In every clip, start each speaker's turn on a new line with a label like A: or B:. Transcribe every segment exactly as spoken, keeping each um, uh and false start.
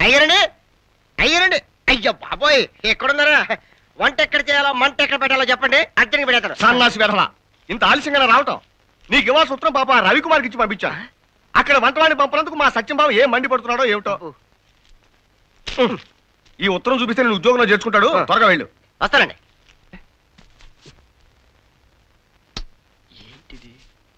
A: అయ్యారండి అయ్యారండి అయ్యో బాబోయ్ ఎక్కడున్నారా? వంట ఎక్కడ చేయాలో మంట ఎక్కడ పెట్టాలో చెప్పండి, అర్జెంట్గా పెడతాను.
B: సన్నాసి వెధవా, ఇంత ఆలస్యంగా రావటం? నీకు ఇవ్వాల్సిన ఉత్తరం పాప రవికుమార్కి ఇచ్చి పంపించా. అక్కడ వంటవాడిని పంపినందుకు మా సత్యం బాబు ఏం మండిపడుతున్నాడో ఏమిటో. ఈ ఉత్తరం చూపిస్తే నేను ఉద్యోగంలో చేర్చుకుంటాడు. త్వరగా వెళ్ళు.
A: వస్తానండి.
B: ఏంటిది?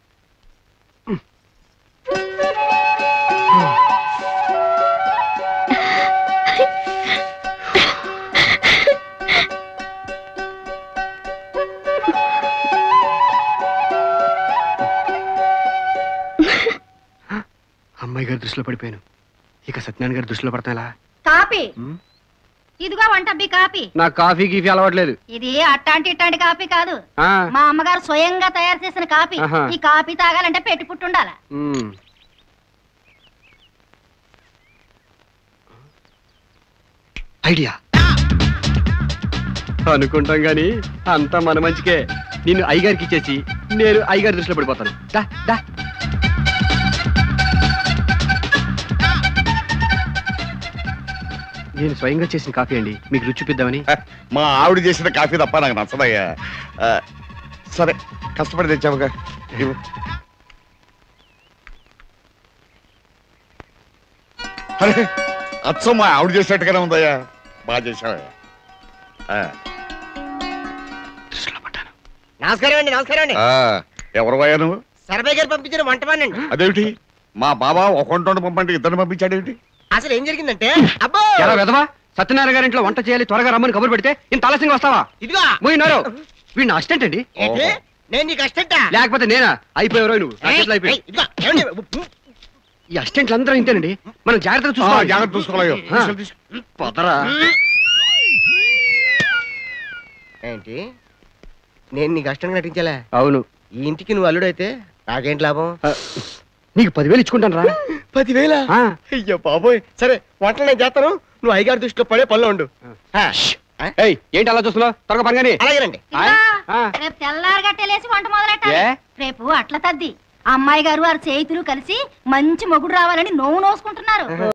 B: అమ్మాయి గారి దృష్టిలో పడిపోయాను. ఇక సత్యనారాయణ గారి దృష్టిలో పడతాలా?
C: కాపీ ఇదిగో వంటబ్బి కాపీ.
B: నాకు కాఫీ గీఫీ అలవాట్లేదు.
C: ఇది అట్టాంటి ఇట్టాంటి కాపీ కాదు, మా అమ్మగారు స్వయంగా తయారు చేసిన కాపీ. ఈ కాపీ తాగాలంటే పెట్టి పుట్టుండాల.
B: ఐడియా అనుకుంటాం గాని అంతా మన మంచికే. నిన్ను అయ్యగారికి ఇచ్చేసి నేను అయ్యగారి దృష్టిలో పడిపోతాను. దా దా. నేను స్వయంగా చేసిన కాఫీ అండి, మీకు రుచి చూపిద్దామని.
D: మా ఆవిడ చేసిన కాఫీ తప్ప నాకు నచ్చదయ్యా. సరే కష్టపడి తెచ్చావుగా. అరే అచ్చం మా ఆవిడ చేసినట్టుగానే ఉందయ్యా. బాగా చేసావయ్యా.
A: నమస్కారం అండి. నమస్కారం అండి.
D: ఎవరు పోయా నువ్వు?
A: సర్వే గారు పంపించిన వంటవాణ్ణండి.
D: అదేమిటి మా బాబా ఒక వంట పంపండి ఇద్దరిని పంపించాడేమిటి?
A: అసలు ఏం జరిగిందంటే, అబ్బో
B: ఎలా వెదవా, సత్యనారాయణ గారి ఇంట్లో వంట చేయాలి త్వరగా రమ్మని కబురు పెడితే ఇంత ఆలస్యంగా వస్తావా?
A: ఇదిగో
B: పోయినారు. వీడిని అసిస్టెంట్ అండి.
A: ఏంటి నేను నీకు అసిస్టెంటా?
B: లేకపోతే నేనా? అయిపోయారో నువ్వు. ఈ అసిస్టెంట్లు అందరూ ఇంతేనండి. మనం జాగ్రత్తగా చూసుకోవాలి.
D: జాగ్రత్త చూసుకోవాలి.
B: పొదరా
A: ఏంటి నేను నీకు అసిస్టెంట్ నటించాలా?
B: అవును.
A: ఈ ఇంటికి నువ్వు అల్లుడైతే నాకేంటి లాభం?
B: నీకు పదివేలు ఇచ్చుకుంటాను రా.
A: పదివేల? అయ్యో బాబోయ్. సరే వంటలు నేను చేస్తాను, నువ్వు అయ్యగారి దృష్టిలో పడే పనిలో ఉండు.
B: ఏంటి అలా చూస్తున్నావు? త్వరగా పని.
A: అలాగేనండి.
C: రేపు తెల్లారి గట్టెలేసి వంట మొదలెట్టాలి. రేపు అట్ల తద్ది అమ్మాయి గారు వారి చేతులు కలిసి మంచి మొగుడు రావాలని నోవు నోసుకుంటున్నారు.